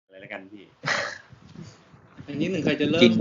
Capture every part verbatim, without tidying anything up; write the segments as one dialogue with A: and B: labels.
A: อะไรแล้วกันพี่
B: อันนี้หนึ่งใครจะเริ่ม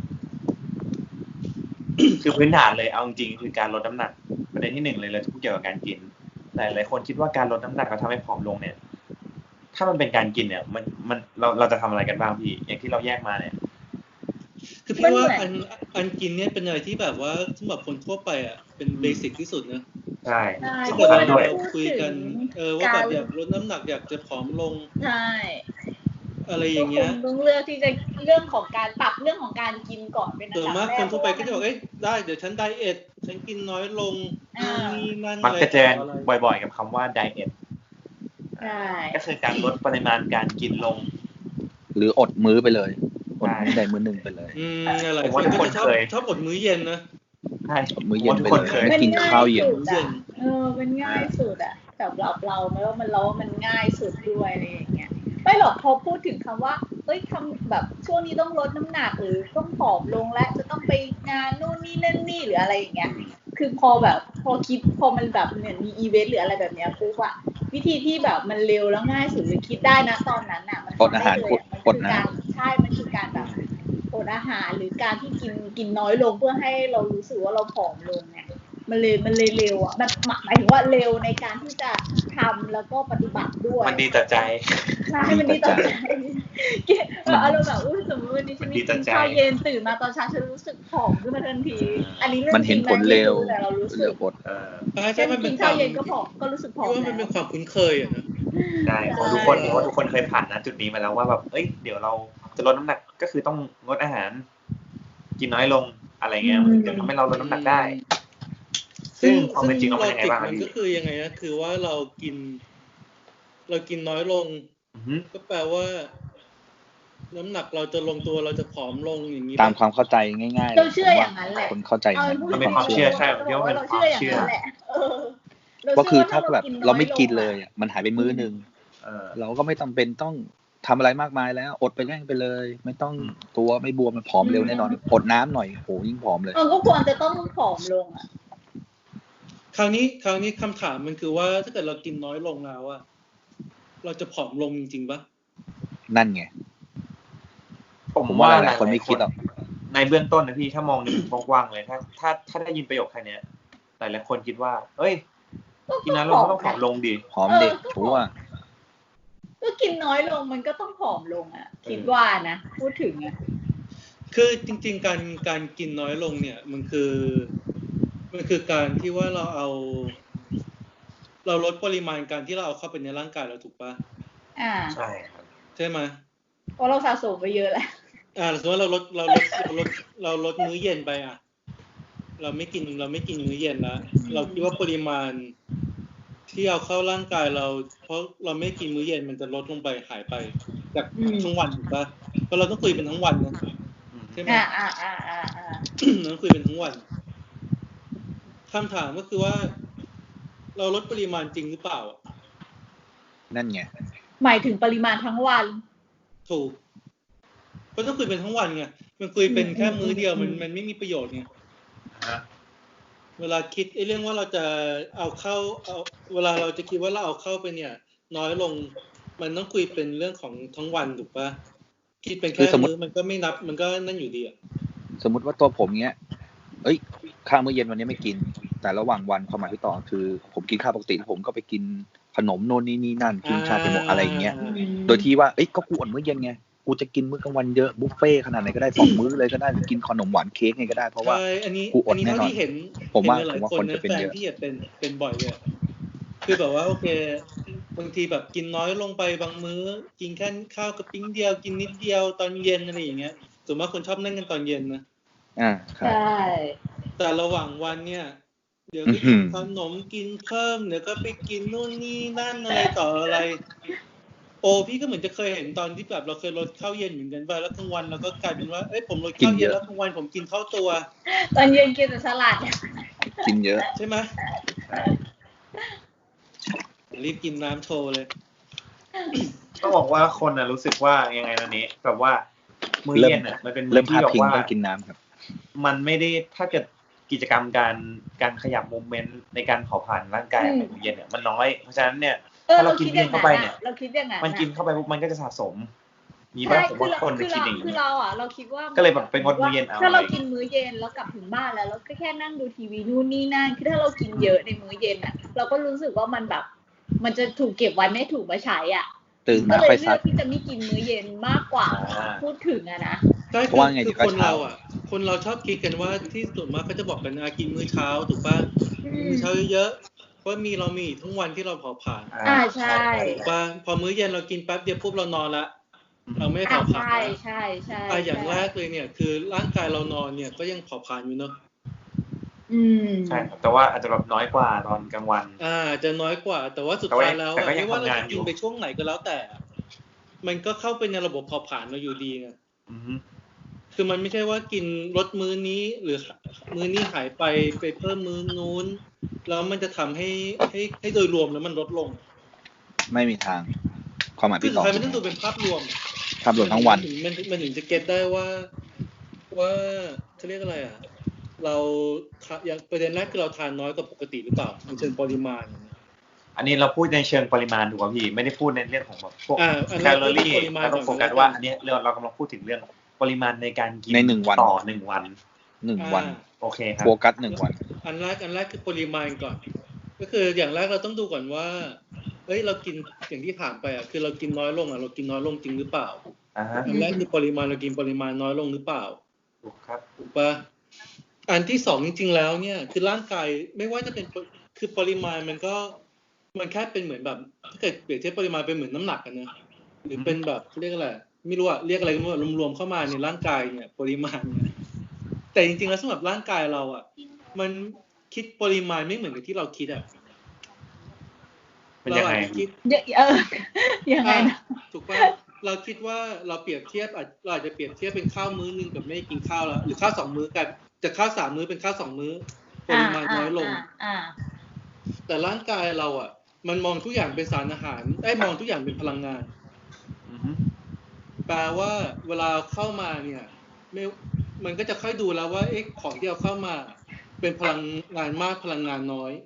A: คือพื้นฐานเลยเอาจริงๆคือการลดน้ำหนักประเด็นที่หนึ่งเลยเลยทุกเกี่ยวกับการกินแต่หลายคนคิดว่าการลดน้ำหนักแล้วทำให้ผอมลงเนี่ยถ้ามันเป็นการกินเนี่ยมันมันเราเราจะทำอะไรกันบ้างพี่อย่างที่เราแยกมาเนี่ย
B: คือพี่ว่าอันอันกินเนี่ยเป็นอะไรที่แบบว่าสำหรับคนทั่วไปอ่ะเป็นเบสิกที่สุดนะ
A: ใช่
B: ที่เกิดเราคุยกันเออว่าแบบอยากลดน้ำหนักอยากจะผอมลง
C: ใช่
B: อะไรอย่างเงี้ย
C: ต้องเลือกที่จะเรื่องของการปรับเรื่องของการกินก่อนเป็นอันดับแรก
B: ส่วนมากคนทั่วไปก็จะบอกเอ้ยได้เดี๋ยวฉันไดเอทฉันกินน้อยลงนี่นั่นอะไร
A: มักจะเจอบ่อยๆกับคำว่าไดเอท
C: ใช่
A: ก็คือการลดปริมาณการกินลง
D: หรืออดมื้อไปเลยอดมื้อใดมื้อหนึ่งไปเลย
B: อืมอะไรคนก็จะชอบชอบอดมื้อเย็นนะ
A: ใช่
D: อดมื้อเย็นไปเลยไม่กินข้าวเย็น
C: เออมันง่ายสุดอ่ะสำหรับเราไม่ว่ามันเราว่ามันง่ายสุดด้วยอะไรอย่างเงี้ยไม่หรอกพอพูดถึงคำว่าเอ้ยทำแบบช่วงนี้ต้องลดน้ำหนักหรือต้องผอมลงและจะต้องไปงานนู่นนี่นั่นนี่หรืออะไรอย่างเงี้ยคือพอแบบพอคิดพอมันแบบเนี่ยมีอีเวนต์หรืออะไรแบบเนี้ยปุ๊บอะวิธีที่แบบมันเร็วแล้วง่ายสุดเลยคิดได้นะตอนนั้นอะมัน
D: อดอาหาร
C: อดนะใช่มันคือการแบบอดอาหารหรือการที่กินกินน้อยลงเพื่อให้เรารู้สึกว่าเราผอมลงเนี่ยมันเลยมันเลยเร็วอ่ะมันหมายถึงว่าเร็วในการที่จะทำแล้วก็ปฏิบัติด้วย
A: มันดีต่อใจ
C: ใช่มันดีต่อใจเกี่ยวอารมณ์แบบอุ้ยสมมติวันนี้ฉันกินข้าวเย็นตื่นมาตอนเช้าฉันรู้สึกผอมขึ้นมาทันทีอันนี้เรื่อง
D: จริงมันเห็นผลเร็ว
C: แต่เรารู้สึก
A: เออ
B: ใช่มันเป็น
C: ข้าวเย็นก็ผอมก็รู้สึกผอม
B: ว่ามันเป็นความคุ้นเคยอ่ะนะ
A: ใช่ทุกคนว่าทุกคนเคยผ่านนะจุดนี้มาแล้วว่าแบบเอ้ยเดี๋ยวเราจะลดน้ำหนักก็คือต้องงดอาหารกินน้อยลงอะไรเงี้ยจะทำให้เราลดน้ำหนักได้ซึ่งความเป็นจริงเราเป็นยังไงบ้าง
B: มันก็คือยังไงนะคือว่าเรากินเรากินน้อยลงก็แปลว่าน้ำหนักเราจะลงตัวเราจะผอมลงอย่างนี้
D: ตามความเข้าใจง่าย
C: ๆเราเชื่ออย่างนั้นแหละ
D: คนเข้าใจ
A: มันเป็นความเชื่อใช่เรียกว่าเป็นความเชื่อ
D: ก็คือถ้าแบบเราไม่กินเลยมันหายไปมื้อนึงเราก็ไม่จำเป็นต้องทำอะไรมากมายแล้วอดไปแม่งไปเลยไม่ต้องตัวไม่บวมมันผอมเร็วแน่นอนอดน้ำหน่อยโหยิ่งผอมเลย
C: เออก็ควรจะต้องผอมลงอ่ะ
B: คราวนี้คราวนี้คำถามมันคือว่าถ้าเกิดเรากินน้อยลงแล้วอะเราจะผอมลงจริงๆปะ
D: นั่นไงผมว่าหลายคนไม่คิดหรอก
A: ในเบื้องต้นนะพี่ถ้ามองในมุมกว้างๆเลยถ้าถ้าถ้าได้ยินประโยคแค่นี้หลายๆคนคิดว่าเอ้ยกินน้อยลงก็ต้องผอมลงดิ
D: ผอมเด็กชัวร์
C: ก็กินน้อยลงมันก็ต้องผอมลงอ่ะคิดว่านะพูดถึงอ่ะ
B: คือจริงๆการการกินน้อยลงเนี่ยมันคือมันคือการที่ว่าเราเอาเราลดปริมาณการที่เราเอาเข้าไปในร่างกายเราถูกปะ
C: อ่า
A: ใช่ครับ
B: ใช่ไหม
C: เพราะเราสะสมไปเยอะแล้ว
B: อ่าสมมติว่าเราลดเราลดเราลดเราลดมื้อเย็นไปอ่ะเราไม่กินเราไม่กินมื้อเย็นแล้วเราคิดว่าปริมาณที่เอาเข้าร่างกายเราเพราะเราไม่กินมื้อเย็นมันจะลดลงไปหายไปจากทั้งวันถูกปะเพราะเราต้องคุยเป็นทั้งวันนะใช่ไหม
C: อ่าอ่าอ่าอ่าอ่า
B: ต้องคุยเป็นทั้งวันคำถามก็คือว่าเราลดปริมาณจริงหรือเปล่า
D: นั่นไง
C: หมายถึงปริมาณทั้งวัน
B: ถูกก็ต้องคุยเป็นทั้งวันไงมันคุยเป็นแค่มื้อเดียวมันมันไม่มีประโยชน์ไงเวลาคิดไอ้เรื่องว่าเราจะเอาเข้าเอาเวลาเราจะคิดว่าเราเอาเข้าไปเนี่ยน้อยลงมันต้องคุยเป็นเรื่องของทั้งวันถูกปะคิดเป็นแค่มื้อมันก็ไม่นับมันก็นั่นอยู่ดีอ่ะ
D: สมมุติว่าตัวผมเนี้ยเอ้ยข้าวมื้อเย็นวันนี้ไม่กินแต่ระหว่างวันความหมายที่ต่อคือผมกินข้าวปกติผมก็ไปกินขนมโน่นนี่นี่นั่นกินชาเขียวอะไรอย่างเงี้ยโดยที่ว่าเอ้ยก็กูอดมื้อเย็นไงกูจะกินมื้อกลางวันเยอะบุฟเฟ่ขนาดไหนก็ได้สองมื้อเลยก็ได้กินขนมหวานเค้กไงก็ได้เพราะว่ากูอดแน่นอนผมว่าผมว่าคนจะเป็นเยอะ
B: ที่จะเป็นเป็นบ่อยเลยคือแบบว่าโอเคบางทีแบบกินน้อยลงไปบางมื้อกินแค่ข้าวกระปิ้งเดียวกินนิดเดียวตอนเย็นอะไรอย่างเงี้ยส่วนมากคนชอบนั่งกันตอนเย็นนะ
D: อ่าใช่
B: แต่ระหว่างวันเนี่ยเดี๋ยวก็กินขนมกินเพิ่มเดี๋ยวก็ไปกินนู่นนี่นั่นอะไรต่ออะไรโอ้พี่ก็เหมือนจะเคยเห็นตอนที่แบบเราเคยลดข้าวเย็นเหมือนกันไปแล้วกลางวันเราก็กลายเป็นว่าเอ้ยผมลดข้าวเย็นแล้วกลางวันผมกินข้าวตัว
C: ตอนเย็นกินแต่สลัด
D: กินเยอะ
B: ใช่ไหมรีบกินน้ำโชว์เลย
A: ต้องบอกว่าคนน่ะรู้สึกว่ายังไงนะนี้แบบว่ามื้อเย็นน่ะมันเป็น
D: มื้อที่แบบว่ากินน้ำครับ
A: มันไม่ได้ถ้าเกิดกิจกรรมการการขยับมูฟเมนต์ในการเผาผลาญร่างกายในมื้อเย็นเนี่ยมันน้อยเพราะฉะนั้นเนี่ยถ้าเรากินเย็นเข้าไปเนี่ยมันกินเข้าไปปุ๊บมันก็จะสะสมมีบ้างผมว่าคนจะคิดอย่าง
C: นี้คือ
A: นี้
C: เราอ่ะเราคิดว่า
A: ก็เลยแบบไปงดมื้อเย็นเอา
C: ถ้าเรากินมื้อเย็นแล้วกลับถึงบ้านแล้วเราก็แค่นั่งดูทีวีนู่นนี่นั่นคือถ้าเรากินเยอะในมื้อเย็นอ่ะเราก็รู้สึกว่ามันแบบมันจะถูกเก็บไว้ไม่ถูกมาใช้อ่ะ
D: ตื่น
C: ก็
D: มา
C: เลย
D: ค่อย
C: เลื
D: ซั
C: อก กที่จะไม่กินมื้อเย็นมากกว่าพูดถึงอะนะ
B: ใช่
D: เพราะว่าไง
B: คือ
D: เดี๋ยวก็
B: คน
D: เช้า
B: เราอ่ะคนเราชอบคิดกันว่าที่ส่วนมากก็จะบอกกันนะกินมื้อเช้าถูกป่ะ
C: อืม
B: มื้อเช้าเยอะๆเพราะมีเรามีทั้งวันที่เราเผาผลาญ
C: อ่าใช่
B: ถูกป่ะพอมื้อเย็นเรากินแป๊บเดียวปุ๊บเรานอนละเราไม่
C: อ่า
B: เผาผลาญ
C: ใช่
B: ละ
C: ใช่ใช่
B: อ่ะอย่างแรกเลยเนี่ยคือร่างกายเรานอนเนี่ยก็ยังเผาผลาญอยู่เนาะ
C: อืม
A: ใช่ครับแต่ว่าอาจจะแบบน้อยกว่าตอนกลางวัน
B: อ่าจะน้อยกว่าแต่ว่าสุดท้ายแล้ว
A: แต่ก็ยัง
B: ไม่ว่าเรา
A: ทำงาน
B: จะ
A: อยู่
B: กินไปช่วงไหนก็แล้วแต่ มันก็เข้าไปในระบบเผาผลาญเราอยู่ดีไง
A: อือฮึ
B: คือมันไม่ใช่ว่ากินลดมื้อนี้หรือมื้อนี้หายไปไปเพิ่มมื้อนู้นแล้วมันจะทำให้ให้ให้โดยรวมแล้วมันลดลง
D: ไม่มีทางความหมาย
B: คือ
D: พี่
B: สุ
D: ต่
B: ด
D: อ
B: ท้ายมันต้องดูเป็นภาพรวม
D: ภาพรวมทั้งวัน
B: มันถึงมันถึงจะเก็ตได้ว่าว่าเขาเรียกอะไรอ่ะเราอย่างประเด็นแรกคือเราทานน้อยกว่าปกติหรือเปล่าในเชิงปริมาณ
A: อันนี้เราพูดในเชิงปริมาณถูกป่ะพี่ไม่ได้พูดในเรื่องของแบบพวก
B: อ่าอัน
A: แค
B: นั้น
A: ลอรี่
B: ปริมาณ
A: เราต้องโฟกัสว่าอันเนี้ยเราเรากำลังพูดถึงเรื่องปริมาณในการกิน
D: ในหนึ่งวัน
A: ต่อหนึ่งวัน
D: หนึ่งวัน
B: อ่า
A: โอเคครับ
D: โฟกัสหนึ่งวัน
B: อันแรกอันแรกคือปริมาณก่อน ก็คืออย่างแรกเราต้องดูก่อนว่าเอ้ยเรากินอย่างที่ถามไปอ่ะคือเรากินน้อยลงอ่ะเรากินน้อยลงจริงหรือเปล่า
A: อ่าฮะ
B: อันแรกคือปริมาณเรากินปริมาณน้อยลงหรือเปล่า
A: ถูกครับ
B: ถูกปะอันที่สองจริงๆแล้วเนี่ยคือร่างกายไม่ว่าจะเป็นคือปริมาณมันก็มันแค่เป็นเหมือนแบบถ้าเกิดเปรียบเทียบปริมาณเป็นเหมือนน้ำหนักกันนะหรือเป็นแบบเรียกอะไรไม่รู้อะเรียกอะไรก็ไม่รู้รวมๆเข้ามาในร่างกายเนี่ยปริมาณเนี่ยแต่จริงๆแล้วสำหรับร่างกายเราอะมันคิดปริมาณไม่เหมือนกับที่เราคิดอะ
A: เป็นยังไง
B: เราอาจจะคิด
C: เออยังไงนะ
B: ถูกป่ะเราคิดว่าเราเปรียบเทียบอาจเราอาจจะเปรียบเทียบเป็นข้าวมื้อนึงกับไม่กินข้าวแล้วหรือข้าวสองมื้อกันจะข้าวสามมื้อเป็นข้าวสองมื้อปริมาณน้อยลง
C: อ่า
B: แต่ร่างกายเราอ่ะมันมองทุกอย่างเป็นสารอาหารได้มองทุกอย่างเป็นพลังงาน
A: อือฮึ
B: แปลว่าเวลาเข้ามาเนี่ยไม่มันก็จะค่อยดูแล้วว่าเอ๊ะของที่เอาเข้ามาเป็นพลังงานมากพลังงานน้อย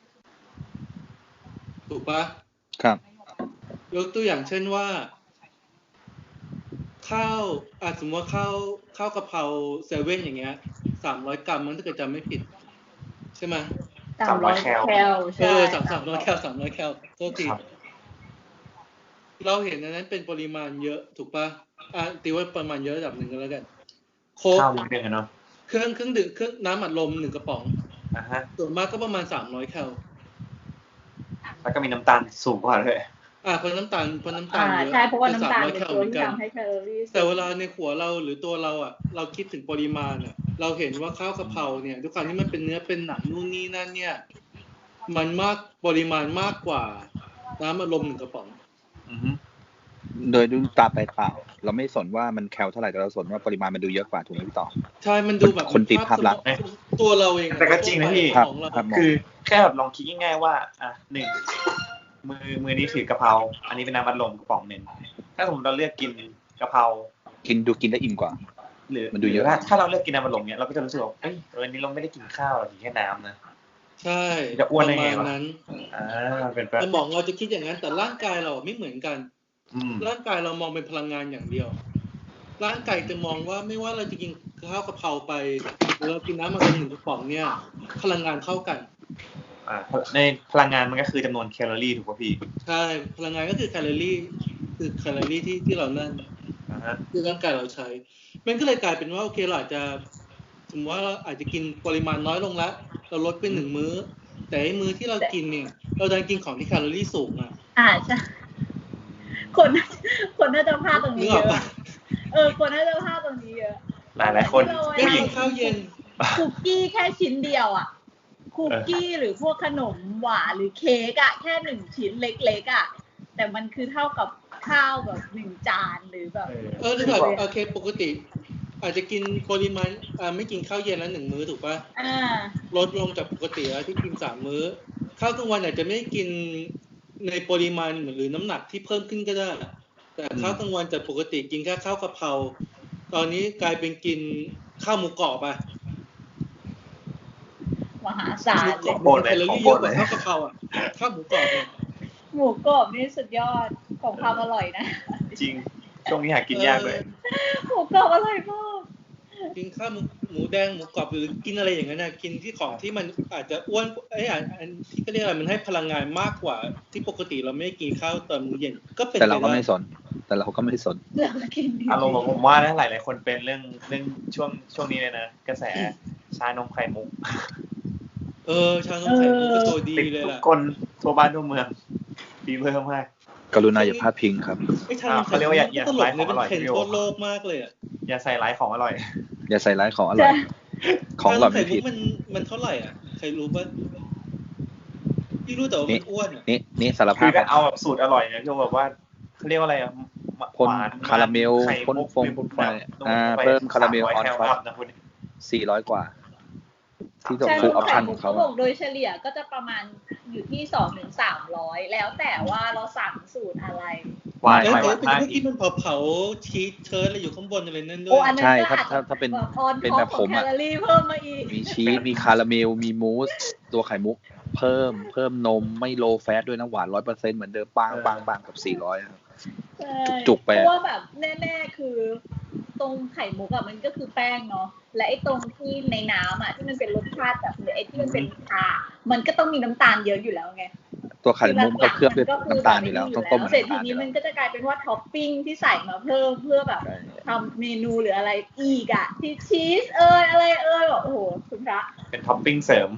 B: ถูกปะ
D: ครับ
B: ยกตัวอย่างเช่นว่าข้าวอาจสมมติว่าข้าวข้าวกะเพราเซเว่นอย่างเงี้ยสามร้อยกรัมมันถ้าเกิดจำไม่ผิดใช่ไหม
C: สามร้อยแคล
B: เออสามสามร้อยแคลสามร้อยแคลโทษที
A: ครับ
B: เราเห็นอันนั้นเป็นปริมาณเยอะถูกปะอ่ะตีว่าประมาณเยอะระดับหนึ่งก็แล้วกันโค้ก
A: ข้าวมื้อนึงอะเนาะ
B: เครื่องเครื่องดื่มเครื่องน้ำอัดลมหนึ่งกระป๋อง
A: อ่าฮะ
B: ส่วนมากก็ประมาณสามร้อยแคล
A: แล้วก็มีน้ำตาลสูงกว่าด้วย
B: อ่าเพราะน้ำตาลเพราะน้ำตา
C: อ่า
B: ลเยอะ
C: ใช่เพราะว่าน้ำตาล
B: สมร้อย
C: เป็น
B: แคล
C: ตัว
B: เหมือน
C: ที่
B: กัน
C: ทำให้แคลอรี่
B: แต่เวลาในหัวเราหรือตัวเราอ่ะเราคิดถึงปริมาณอ่ะเราเห็นว่าข้าวกะเพราเนี่ยด้วยความที่มันเป็นเนื้อเป็นหนังนู่นนี่นั่นเนี่ยมันมากปริมาณมากกว่าน้ำอัดลมหนึ่งกระป๋อง
A: อือฮึ
D: โดยดูตาไปเปล่า เราไม่สนว่ามันแคลเท่าไหร่แต่เราสนว่าปริมาณมันดูเยอะกว่าถูกไหมพี่ต่อ
B: ใช่มันดูแบบ
D: คนติดภาพลักษณ์
B: ตัวเราเอง
A: แต่ก็จริงนะพี่
D: ครับ
B: ของเรา
D: ครับ
A: คือแค่แบบลองคิดง่ายๆว่าอ่ะหนึ่งมือมือนี้ถือกะเพราอันนี้เป็นน้ำอัดลมกระป๋องหนึ่งถ้าสมมติเราเลือกกินกะเพรา
D: กินดูกินได้อิ่มกว่า
A: หรือ
D: มันดูเยอะ
A: ถ้าถ้าเราเลือกกินน้ำอัดลมเนี้ยเราก็จะรู้สึกว่าเอ้ยวันนี้เราไม่ได้กินข้าวเรากินแค่น้ำนะ
B: ใช่
A: จะอ้วนได้
B: ประ
A: ไง
B: มาณ
A: วะ
B: นั้น
A: อ่าเป็นแบบ
B: สมองเราจะคิดอย่างนั้นแต่ร่างกายเราไม่เหมือนกัน
A: อืม
B: ร่างกายเรามองเป็นพลังงานอย่างเดียว ร่างกายจะมองว่าไม่ว่าเราจะกินข้าวกะเพราไปหรือเรากินน้ำมันหนึ่งกระป๋องเนี่ยพลังงานเท่ากัน
A: อ่าในพลังงานมันก็คือจำนวนแคลอรี่ถูกป่ะพี่
B: ใช่พลังงานก็คือแคลอรี่คือแคลอรี่ที่ที่เรานั่น
A: อ่าฮะ
B: ที่ร่างกายเราใช้ มันก็เลยกลายเป็นว่าโอเคเราอาจจะสมมติว่าเราอาจจะกินปริมาณน้อยลงแล้วเราลดไปหนึ่งมื้อ แต่ไอ้มื้อที่เรากินเนี่ยเราดันกินของที่แคลอรี่สูงอ่ะ
C: อ่าใช่คนคนน่าจะพลาดตรง
B: นึ
C: นี้
B: ก
C: เย
B: ออก
C: อะ
B: ปะ
C: เออคนน่าจะพลาดตรงนี้เยอะ
A: หลายหลายๆคน
B: ได้
A: ผู้หญิ
B: กิ
A: ง
B: นข้าวเย็น
C: คุกกี้แค่ชิ้นเดียวอ่ะคุกกี้หรือพวกขนมหวานหรือเค้กอ่ะแค่หนึ่งชิ้นเล็กๆอ่ะแต่มันคือเท่ากับข้าวแบบหนึ่งจานหรือแบบ
B: เออถ้าแบบโอเคปกติ อาจจะกินปริมาณอ่าไม่กินข้าวเย็นแล้วหนึ่งมื้อถูกปะ
C: อ่า
B: ลดลงจากปกติแล้วที่กินสามมื้อข้าวกลางวันอาจจะไม่กินในปริมาณหรือน้ำหนักที่เพิ่มขึ้นก็ได้แต่ข้าวกลางวันจากปกติกินแค่ข้าวกะเพราตอนนี้กลายเป็นกินข้าวหมูกรอบไป
C: มหาศาล
B: หมู
C: เลย
B: กรอบมันแคลอรี่เยอะกว่าข้าวกะเพราอ่ะข้าวหมูกรอบเนี่ย
C: หมูกรอบนี่สุดยอดของความอร่อยนะ
A: จริงช่วงนี้หากินยากเลย
C: หมูกรอบอร่อยมาก
B: กินข้าวหมูแดงหมูกรอบหรือกินอะไรอย่างนั้นนะกินที่ของที่มันอาจจะอ้วนไอ้อันที่ก็เรียกอะไรมันให้พลังงานมากกว่าที่ปกติเราไม่กินข้าวตอนมื้อเย็นก็เป็น
D: แต่เราก็ไม่สนแต่เราก็ไม่สน
A: อารมณ์ผมว่านะหลายๆคนเป็นเรื่องเรื่องช่วงช่วงนี้เลยนะกระแสชานมไข่มุก
B: เออชานมไข่มุกก็ตัวดีเลยล่ะ
A: ทุกคนทั่วบ้านทั่วเมืองดีเพิ่มมาก
D: กรุณาอย่าพลาดพิงครับ
B: ไอ้ชานมไข่มุกอย่าใส่ของอร่อยเป็นเทรนด์ทั่วโลกมากเลยอ่ะ
A: อย่าใส่ร้ายของอร่อย
D: อย่าใส่ร้ายของอร่อยของอร่อยไม่ผิด
B: มันมันเท่าไหร่อ่ะใครรู้ป่ะพี่รู้แต่ว่ามันอ้วนอ่ะ
D: นี่นี่สารภาพ
A: คือเอาแบบสูตรอร่อยเนี่ยที่แบบว่าเขาเรียกว่าอะไรอ่ะ
D: พ่นคาราเมลพ่นฟงพ่นไฟอ่าเพิ่มคาราเมลออนท็อปสี่ร้อยกว่าที่ต้องฟูลออปชั่นของเขา
C: โดยเฉลี่ยก็จะประมาณอยู่ที่ สองถึงสามร้อย แล้วแต่ว่าเราสั่งสูตรอะไร
B: วายๆเป็นพวกที่มันเผาๆชีสเชิร์อะไรอยู่ข้างบนอะไรนั่นด้วย
D: ใช่ถ้าถ้าถ้าเป็นเป็นแบบผมอ่ะมีชีสมีคาราเมลมีมูสตัวไข่มุกเพิ่มเพิ่มนมไม่โลแฟตด้วยนะหวาน ร้อยเปอร์เซ็นต์ เหมือนเดิมปังปังปังกับสี่ร้อยครับจุกๆไป
C: เพราะว่าแบบแน่ๆคือตรงไข่มุกอ่ะมันก็คือแป้งเนาะและไอ้ตรงที่ในน้ำอ่ะที่มันเป็นรสชาติแบบไอ้ที่มันเป็นชามันก็ต้องมีน้ำตาลเยอะอยู่แล้วไง
D: ตัวไข่มุกก็เคลือบด้วยน้ำตาลอยู่แล้วต้องต้ม
C: เสร็จทีนี้มันก็จะกลายเป็นว่าท็อปปิ้งที่ใส่มาเพิ่มเพื่อแบบทำเมนูหรืออะไรอีกอ่ะที่ชีสเอ้ยอะไรเอ้ยแบบโอ้โหคุณพระ
A: เป็นท็อปปิ้งเสริม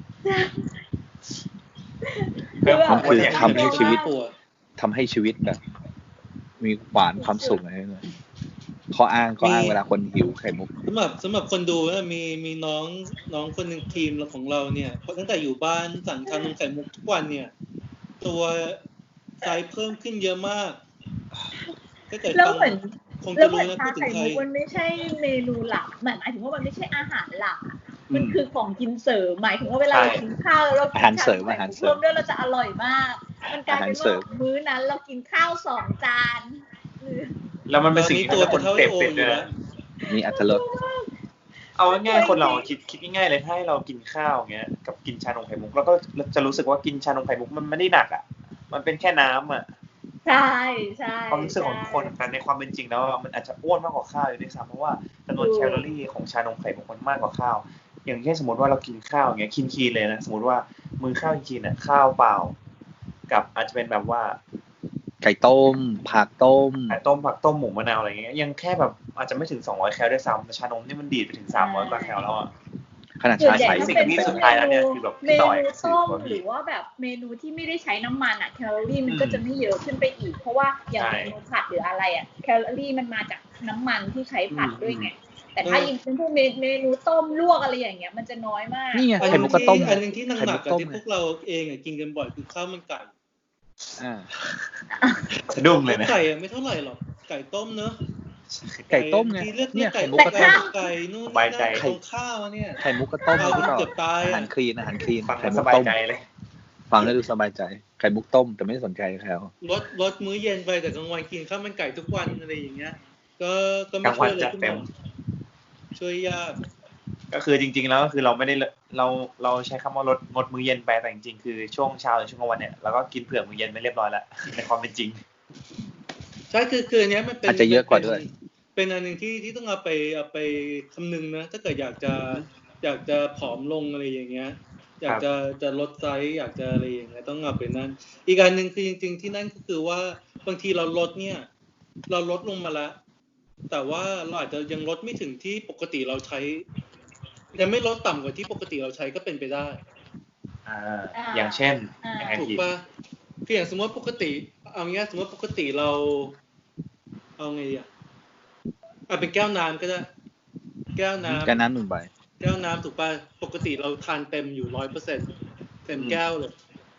D: เพื่อความคือทำให้ชีวิตทำให้ชีวิตแบบมีหวานความสุขอะไรเลยข้ออ้างข้ออ้างเวลาคนหิวไข่มุก
B: สำหรับสำหรับคนดูนะมีมีน้องน้องคนหนึ่งทีมของเราเนี่ยตั้งแต่อยู่บ้านสั่งชานมไข่มุกทุกวันเนี่ยตัวไซส์เพิ่มขึ้นเยอะมาก
C: ก็เกิดแล้วเหมือนคงจะรู้นะพูดถึงใครมันไม่ใช่เมนูหลักหมายถึงว่ามันไม่ใช่อาหารหลักมันคือของกินเสริมหมายถึงว่าเวลาเรากินข้าวแล้วเรา
D: อาหารเสริมอาหารเสริม
C: ด้วยเราจะอร่อยมากมันกลายเป็นว่ามื้อนั้นเรากินข้าวสองจาน
A: แล้วมันเป็นสิ่งที่คนเสพติดด้วยนะ
D: มีอรรถรส
A: เอาง่ายๆคนเราคิดคิดง่ายๆเลยถ้าให้เรากินข้าวเงี้ยกับกินชานมไข่มุกแล้วก็จะรู้สึกว่ากินชานมไข่มุกมันไม่ได้หนักอ่ะมันเป็นแค่น้ำอ่ะ
C: ใช่ใช่
A: ความรู้สึกของคนแต่ในความเป็นจริงแล้วมันอาจจะอ้วนมากกว่าข้าวอยู่ด้วยซ้ำเพราะว่าจำนวนแคลอรี่ของชานมไข่มุกมันมากกว่าข้าวอย่างเช่นสมมติว่าเรากินข้าวอย่างเงี้ยคีนๆเลยนะสมมติว่ามื้อข้าวคีนๆน่ะข้าวเปล่ากับอาจจะเป็นแบบว่า
D: ไก่ต้มผักต้ม
A: ไก่ต้มผักต้มหมูมะนาวอะไรเงี้ยยังแค่แบบอาจจะไม่ถึงสองร้อยแคลด้วยซ้ำแต่ชานมนี่มันดีดไปถึงสามร้อยกว่าแคลแล้วอ่ะ
D: ขนาดชาใส
A: สิ่งที่สุดท้ายแล้วเนี่ยคือแบบ
C: เมนูต้มหรือว่าแบบเมนูที่ไม่ได้ใช้น้ำมันอ่ะแคลอรี่มันก็จะไม่เยอะขึ้นไปอีกเพราะว่าอย่างเมนูผัดหรืออะไรอ่ะแคลอรี่มันมาจากน้ำมันที่ใช้ผัดด้วยไงแต่ถ้ายิ่งเป็นพวกเมนูต้มลวกอะไรอย่างเงี้ยมันจะน้อยมาก
D: นี่ไงไข่มุกก็ต้ม
B: อันนึงที่หนักๆกับที่พวกเราเองอ่ะกินกันบ่อยคือข้าวมันไก่
D: อ่า
A: สะดุ้งเลยนะ
B: ไก่อ่ะไม่เท่าไหร่หรอกไก่ต้มเนอะ
D: ไก่ต้มไง
B: เนี่ยไก่มุกกระต้มไก่นู่นนี่นั่นของข้าวเนี่ย
D: ไข่มุกกระต้ม
B: ที่เกือบตาย
D: อาหารคลีนอาหารคลีน
A: ไข่มุกต้มเลย
D: ฟังแล้วดูสบายใจไข่มุกต้มแต่ไม่สนใจเขา
B: ลดลดมื้อเย็นไปแต่กลางวันกินข้าวมันไก่ทุกวันอะไรอย่างเงี้ยก็ก็ไม่ช่วยเลยช่วยยาก
A: ก็คือจริงๆแล้วก็คือเราไม่ได้เราเราใช้คำว่าลดงดมื้อเย็นไปแต่จริงๆคือช่วงเช้าหรือช่วงกลางวันเนี่ยเราก็กินเผื่อมื้อเย็นไปเรียบร้อยแล้วในความเป็นจริง
B: ใช่คือคือเนี้ยมันเป็น
D: อาจจะเยอะกว่าด้วย
B: เป็นอันนึงที่ที่ต้องเอาไปเอาไปคำนึงนะถ้าเกิดอยากจะอยากจะผอมลงอะไรอย่างเงี้ยอยากจะจะลดไซส์อยากจะอะไรอย่างเงี้ยต้องเอาไปนั่นอีกอันนึงคือจริงๆที่นั่นก็คือว่าบางทีเราลดเนี่ยเราลดลงมาแล้วแต่ว่าเราอาจจะยังลดไม่ถึงที่ปกติเราใช้ยังไม่ลดต่ำกว่าที่ปกติเราใช้ก็เป็นไปได้
A: อ่าอย่างเช่น
B: ถูกป่ะคืออย่างสมมติปกติเอางี้สมมติปกติเราเอาไงอ่ะอ่ะเป็นแก้วน้ำก็ได้แก้วน้ำ
D: แก้วน้ำหนึ่งใบ
B: แก้วน้ำถูกป่ะปกติเราทานเต็มอยู่ ร้อยเปอร์เซ็นต์ เต็มแก้วเลย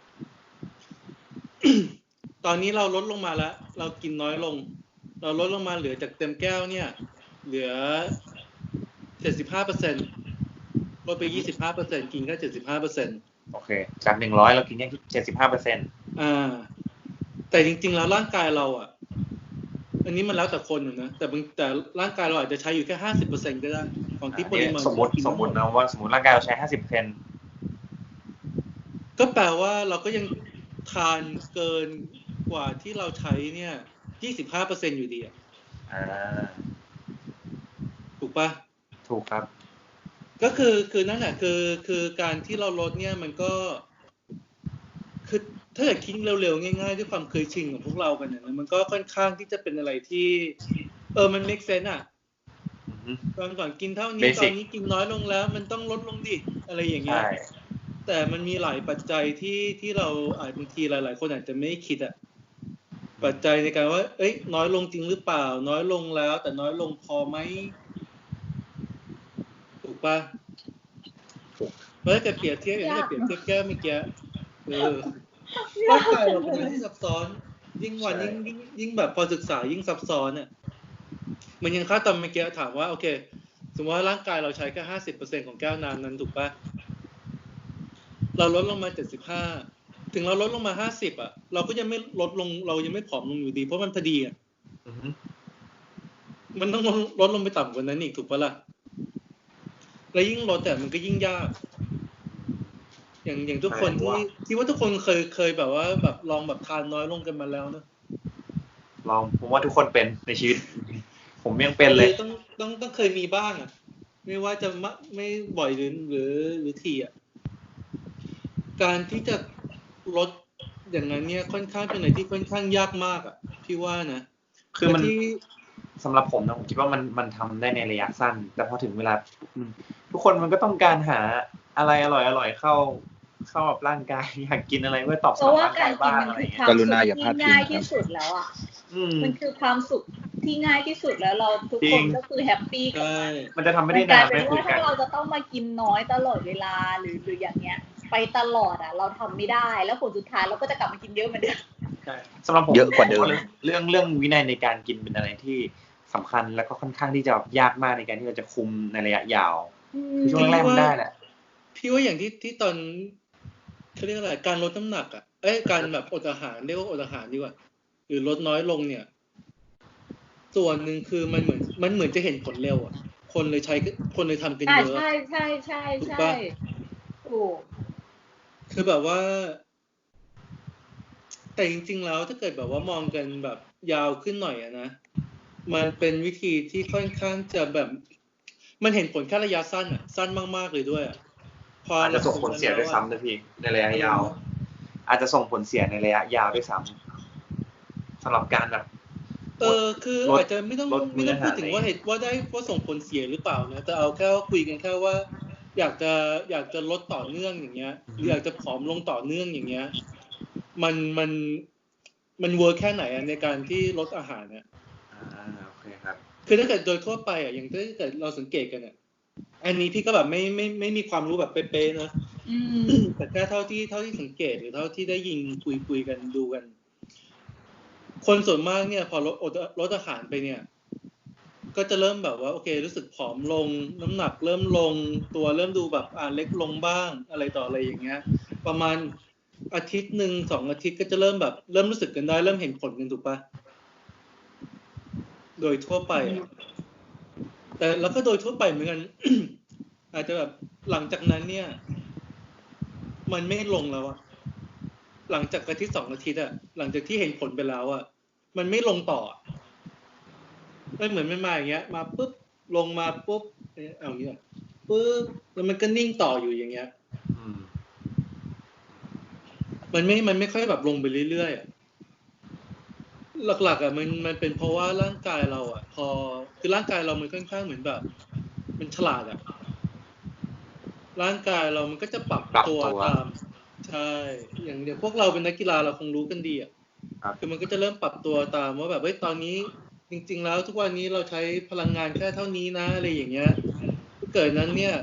B: ตอนนี้เราลดลงมาแล้วเรากินน้อยลงเราลดลงมาเหลือจากเต็มแก้วเนี่ยเหลือ เจ็ดสิบห้าเปอร์เซ็นต์ ลดไป ยี่สิบห้าเปอร์เซ็นต์ กินแค่ เจ็ดสิบห้าเปอร์เซ็นต์
A: โอเคจากหนึ่งร้อยเรากินแค่ เจ็ดสิบห้าเปอร์เซ็นต์
B: อ่าแต่จริงๆแล้วร่างกายเราอ่ะอันนี้มันแล้วแต่คนนะแต่บางแต่ร่างกายเราอาจจะใช้อยู่แค่ ห้าสิบเปอร์เซ็นต์ ก็ได้ของที่ปริมาณ
A: สมมุติสมมุตินะว่าสมมุติร่างกายเราใช้ ห้าสิบเปอร์เซ็นต์
B: ก็แปลว่าเราก็ยังทานเกินกว่าที่เราใช้เนี่ย ยี่สิบห้าเปอร์เซ็นต์ อยู่ดีอ่ะ
A: อ่า
B: ถูกปะ
A: ถูกครับ
B: ก็คือคือนั่นแหละคือคือการที่เราลดเนี่ยมันก็คือถ้าเกิดคิดเร็วๆง่ายๆด้วยความเคยชินของพวกเรากันเนี่ยมันก็ค่อนข้างที่จะเป็นอะไรที่เออมัน make sense อ่ะตอนก่อนกินเท่านี้ตอนนี้กินน้อยลงแล้วมันต้องลดลงดิอะไรอย่างเงี้ยแต่มันมีหลายปัจจัยที่ที่เราอาจบางทีหลายๆคนอาจจะไม่คิดอ่ะปัจจัยในการว่าเอ้ยน้อยลงจริงหรือเปล่าน้อยลงแล้วแต่น้อยลงพอไหมถูกป่ะเมื่อจะเปรียบเทียบอย่างที่เปรียบเทียบแก้วเมื่อกี้เออร่างกายเราเป็นอะไรที่ซับซ้อนยิ่งวันยิ่งยิ่งยิ่งแบบพอศึกษายิ่งซับซ้อนอ่ะมันยังค่าตอนเมื่อกี้ถามว่าโอเคสมมติว่าร่างกายเราใช้แค่ ห้าสิบเปอร์เซ็นต์ ของแก้วน้ำนั้นถูกป่ะเราลดลงมาเจ็ดสิบห้าถึงเราลดลงมาห้าสิบอ่ะเราก็ยังไม่ลดลงเรายังไม่ผอมลงอยู่ดีเพราะมันพอดีอ่ะมันต้องลดลงไปต่ำกว่านั้นอีกถูกป่ะล่ะแล้วยิ่งลดแต่มันก็ยิ่งยากอย่างอย่างทุกคนที่ที่ว่าทุกคนเคยเคยแบบว่าแบบลองแบบทานน้อยลงกันมาแล้วนะ
A: ลองผมว่าทุกคนเป็นในชีวิตผมยังเป็นเลย
B: ต้องต้องต้องเคยมีบ้างอ่ะไม่ว่าจะไม่บ่อยหรือหรือหรือทีอ่ะการที่จะลดอย่างนั้นเนี่ยค่อนข้างเป็นอะไรที่ค่อนข้างยากมากอ่ะพี่ว่านะ
A: คือมันสำหรับผมนะผมคิดว่ามันมันทำได้ในระยะสั้นแต่พอถึงเวลาทุกคนมันก็ต้องการหาอะไรอร่อยอร่อยเข้าเข้ากับร่างกายอยากกินอะไรเพื่อตอบสนองร่างกายบ้างอะไรอย่างเงี้ย
D: กรุณาอย่าพลาดพิง
C: ง่ายที่สุดแล้วอ่ะมันคือความสุขที่ง่ายที่สุดแล้วเราทุกคนก็คือแฮปปี้กับมัน
A: มันจะทำไม่ได้นาน
C: ไม่คือถ้าเราจะต้องมากินน้อยตลอดเวลาหรือหรืออย่างเงี้ยไปตลอดอ่ะเราทำไม่ได้แล้วผลสุดท้ายเราก็จะกลับมากินเยอะเหมือนเดิม
A: ใช่สำหรับผมเยอะกว่าเดิมเรื่องเรื่องวินัยในการกินเป็นอะไรที่สำคัญแล้วก็ค่อนข้างที่จะยากมากในการที่เราจะคุมในระยะยาวคือช่วงแรกมันได้แหละ
B: พี่ว่าอย่างที่ที่ตอนเขาเรียกอะไรการลดน้ำหนักอ่ะเอ้ยการแบบอดอาหารเรียกว่าอดอาหารดีกว่าหรือลดน้อยลงเนี่ยส่วนหนึ่งคือมันเหมือนมันเหมือนจะเห็นผลเร็วอ่ะคนเลยใช้คนเลยทำกันเยอะ
C: ใช่ใช่ใช่ใช่ถูก
B: คือแบบว่าแต่จริงๆแล้วถ้าเกิดแบบว่ามองกันแบบยาวขึ้นหน่อยอะนะมันเป็นวิธีที่ค่อนข้างจะแบบมันเห็นผลแค่ระยะสั้นอ่ะสั้นมากๆเลยด้วยอ่ะ
A: พออาจจะส่งผลเสียด้วยซ้ำนะพี่ในระยะยาวอาจจะส่งผลเสียในระยะยาวด้วยซ้ำสำหรับการแบบ
B: เออคืออาจจะไม่ต้องไม่ต้องพูดถึงว่าเหตุว่าได้ว่าส่งผลเสียหรือเปล่านะแต่เอาแค่คุยกันแค่ว่าอยากจะอยากจะลดต่อเนื่องอย่างเงี้ยหรืออยากจะผอมลงต่อเนื่องอย่างเงี้ยมันมันมันเวิร์คแค่ไหนอ่ะในการที่ลดอาหารเนี่ย
A: อ่าโอเคครับ
B: คือถ้าเกิดโดยทั่วไปอ่ะอย่างถ้าเกิดเราสังเกตกันอ่ะอันนี้พี่ก็แบบไม่ไม่ไม่มีความรู้แบบเป๊ะๆนะแต่แค่เท่าที่เท่าที่สังเกตหรือเท่าที่ได้ยินคุยคุยกันดูกันคนส่วนมากเนี่ยพอลดลดอาหารไปเนี่ยก็จะเริ่มแบบว่าโอเครู้สึกผอมลงน้ำหนักเริ่มลงตัวเริ่มดูแบบอ่าเล็กลงบ้างอะไรต่ออะไรอย่างเงี้ยประมาณอาทิตย์หนึ่งสองอาทิตย์ก็จะเริ่มแบบเริ่มรู้สึกกันได้เริ่มเห็นผลกันถูกปะโดยทั่วไปแต่แล้วก็โดยทั่วไปเหมือนกัน อาจจะแบบหลังจากนั้นเนี่ยมันไม่ลงแล้วอะหลังจากอาทิตย์สองอาทิตย์อะหลังจากที่เห็นผลไปแล้วอะมันไม่ลงต่อไม่เหมือนไม่มาอย่างเงี้ยมาปุ๊บลงมาปุ๊บเอาอย่างเงี้ยปุ๊บแล้วมันก็นิ่งต่ออยู่อย่างเงี้ยมันไม่มันไม่ค่อยแบบลงไปเรื่อยๆอะหลักๆอ่ะมันมันเป็นเพราะว่าร่างกายเราอ่ะพอคือร่างกายเรามันค่อนข้างเหมือนแบบมันฉลาดอ่ะร่างกายเรามันก็จะปรับตัวตามใช่อย่างเดี๋ยวพวกเราเป็นนักกีฬาเราคงรู้กันดีอ่ะคือมันก็จะเริ่มปรับตัวตามว่าแบบเฮ้ยตอนนี้จริงๆแล้วทุกวันนี้เราใช้พลังงานแค่เท่านี้นะอะไรอย่างเงี้ยถ้าเกิดนั้นเนี่ย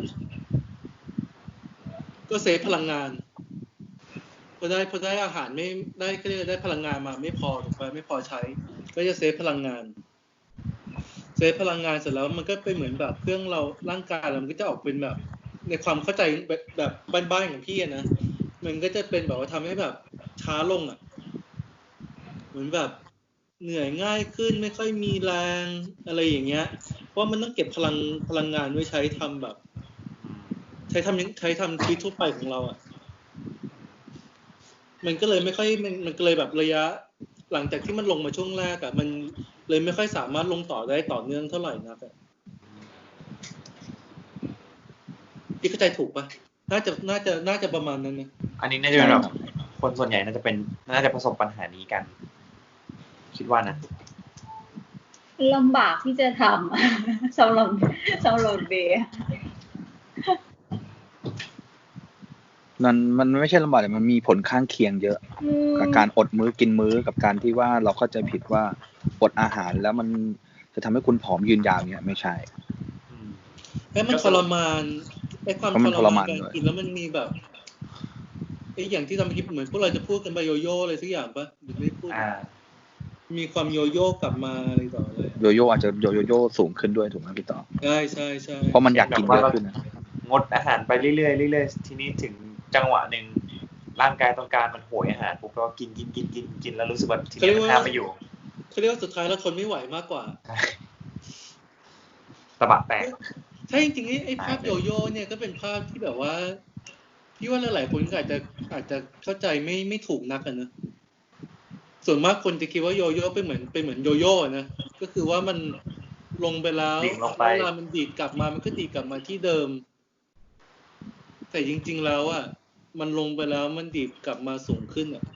B: ก็เซฟพลังงานพอได้พอได้อาหารไม่ได้ก็ได้ได้พลังงานมาไม่พอถูกไหมไม่พอใช้ก็จะเซฟพลังงานเซฟพลังงานเสร็จแล้วมันก็เป็นเหมือนแบบเครื่องเราร่างกายเรามันก็จะออกเป็นแบบในความเข้าใจแบบแบบบ้านๆของพี่นะมันก็จะเป็นแบบว่าทำให้แบบช้าลงอ่ะเหมือนแบบเหนื่อยง่ายขึ้นไม่ค่อยมีแรงอะไรอย่างเงี้ยเพราะมันต้องเก็บพลังพลังงานไว้ใช้ทำแบบใช้ทำใช้ทำชีวิตทั่วไปของเราอ่ะมันก็เลยไม่ค่อยมันมันก็เลยแบบระยะหลังจากที่มันลงมาช่วงแรกอะมันเลยไม่ค่อยสามารถลงต่อได้ต่อเนื่องเท่าไหร่นักอะพี่เข้าใจถูกปะน่าจะน่าจะน่าจะประมาณนั้นนะ
A: อันนี้น่าจะเป็นแบบคนส่วนใหญ่น่าจะเป็นน่าจะประสบปัญหานี้กันคิดว่านะ
C: ลำบากที่จะทำสำหรับสำหรับเบย์
D: มันมันไม่ใช่ลำบากแต่มันมีผลข้างเคียงเยอะกับการอดมื้อกินมื้อกับการที่ว่าเราเข้าใจผิดว่าอดอาหารแล้วมันจะทำให้คุณผอมยืนยาวเนี่ยไม่ใช่
B: ไอ้มันทรมานไอ้ความทรมานการกินแล้วมันมีแบบไอ้อย่างที่ทำเมื่อกี้เหมือนพวกเราจะพูดกันไปโยโย่อะไรสักอย่างปะหรือไม่พูดมีความโยโย่กลับมาอะไรต่อเลย
D: โยโย่อาจจะโยโย่สูงขึ้นด้วยถูกไหมพี่ต่อ
B: ใช่ใช่ใช่
D: เพราะมันอยากกินเยอะขึ้นนะ
A: งดอาหารไปเรื่อยๆเรื่อยๆทีนี้ถึงจังหวะหนึ่งร่างกายต้องการมันโหยอาหารปุ๊บก็กินกินกินกินกินแล้วรู้สึกว่าทีนี้มันห้ามไม่อยู่
B: เขาเรียกว่าสุดท้ายเราทนไม่ไหวมากกว่า
A: ตะบะแตก
B: ใช่จริงๆไอ้ภาพโยโย่เนี่ยก็เป็นภาพที่แบบว่าพี่ว่าหลายๆคนอาจจะอาจจะเข้าใจไม่ไม่ถูกนักกันนะส่วนมากคนจะคิดว่าโยโย่เป็นเหมือนเป็นเหมือนโยโย่นะก็คือว่ามันลงไปแล้วเวลามันดีดกลับมามันก็ดีดกลับมาที่เดิมแต่จริงๆแล้วอ่ะมันลงไปแล้วมันดีดกลับมาสูงขึ้นอ่ะ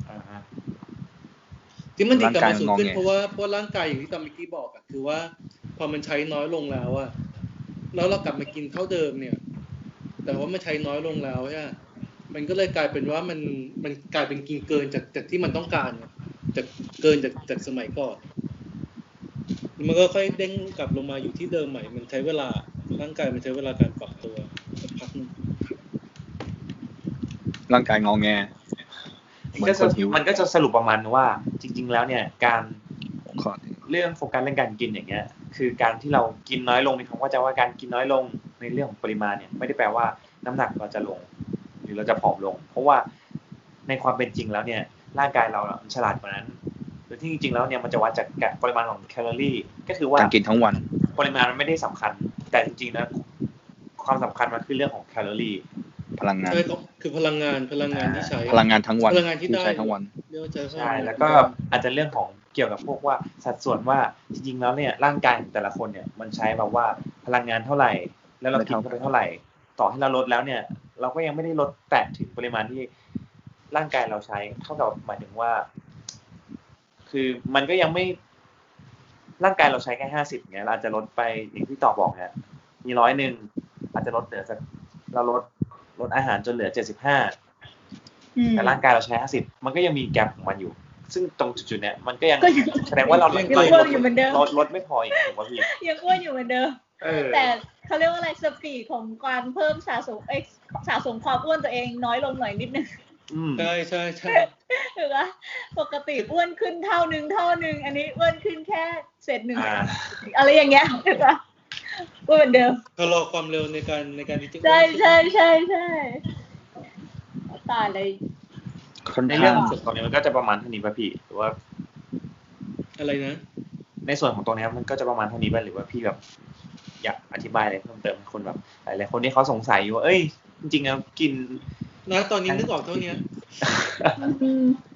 B: ที่มันดีดกลับมาสูงขึ้นเพราะว่าเพราะร่างกายอย่างที่ตามเมื่อกี้บอกอ่ะคือว่าพอมันใช้น้อยลงแล้วอ่ะแล้วเรากลับมากินเท่าเดิมเนี่ยแต่ว่ามันใช้น้อยลงแล้วใช่มันก็เลยกลายเป็นว่ามันมันกลายเป็นกินเกินจากจากที่มันต้องการจากเกินจากจากสมัยก่อนมันก็ค่อยเด้งกลับลงมาอยู่ที่เดิมใหม่มันใช้เวลาร่างกายมันใช้เวลาการปรับตัวสักพักนึง
D: ร่างกายงอแง
A: มันก็จะมันก็จะสรุปประมาณว่าจริงๆแล้วเนี่ยการเรื่องโฟกัสเรื่องการกินอย่างเงี้ยคือการที่เรากินน้อยลงในคำว่าจะว่าการกินน้อยลงในเรื่องของปริมาณเนี่ยไม่ได้แปลว่าน้ำหนักเราจะลงหรือเราจะผอมลงเพราะว่าในความเป็นจริงแล้วเนี่ยร่างกายเรามันฉลาดกว่านั้นโดยที่จริงๆแล้วเนี่ยมันจะวัดจากปริมาณของแคลอรี่ก็คือว่า
D: การกินทั้งวัน
A: ปริมาณมันไม่ได้สำคัญแต่จริงๆนะความสำคัญมันคือเรื่องของแคลอรี่
D: พลังงาน
B: คือพลังงานพลังงานที่ใช้
D: พลังงานทั้งวัน
B: พลังงานที่ได้
D: ใช้ทั้งวัน
A: ใช่แล้วก็อาจจะเรื่องของเกี่ยวกับพวกว่าสัดส่วนว่าจริงๆแล้วเนี่ยร่างกายของแต่ละคนเนี่ยมันใช้แบบว่าพลังงานเท่าไหร่แล้วเรากินเข้าไปเท่าไหร่ต่อให้เราลดแล้วเนี่ยเราก็ยังไม่ได้ลดแตะถึงปริมาณที่ร่างกายเราใช้เท่ากับหมายถึงว่าคือมันก็ยังไม่ร่างกายเราใช้แค่ห้าสิบเนี่ยเราอาจจะลดไปอย่างที่ต่อบอกเนี่ยมีร้อยหนึ่งอาจจะลดเหลือสักเราลดลดอาหารจนเหลือเจ็ดสิบห้าแต่ร่างกายเราใช้ห้าสิบมันก็ยังมีแกปของมันอยู่ซึ่งตรงจุดๆเนี้ยมันก็ยังแสดงว่าเราลดลดลดไม่พออีกถูกป่ะพี่
C: ยังอ้วนอยู่เหมือนเดิมแต่เขาเรียกว่าอะไรสปีดของการเพิ่มสะสมเอ็กสะสมความอ้วนตัวเองน้อยลงหน่อยนิดนึง
B: ใช่ใช่ใช่
C: ถูกป่ะปกติอ้วนขึ้นเท่านึงเท่านึงอันนี้อ้วนขึ้นแค่เศษหนึ่งอะไรอย่างเงี้ยถูกป่ะอ้วนเหมือนเดิม
B: ชะลอความเร็วในการในการที่จะ
C: ใช่ใช่ใช่ใช่ตายเลย
A: ในเรื่องส่วนตรงนี้มันก็จะประมาณเท่านี้ป่ะพี่หรือว่า
B: อะไรนะ
A: ในส่วนของตรงนี้มันก็จะประมาณเท่านี้ป่ะหรือว่าพี่แบบอยากอธิบายอะไรเพิ่มเติมให้คนแบบหลายๆคนที่เขาสงสัยอยู่ว่าเอ้ยจริงๆแล้วกิน
B: นะตอนนี้นึกออกเท่านี้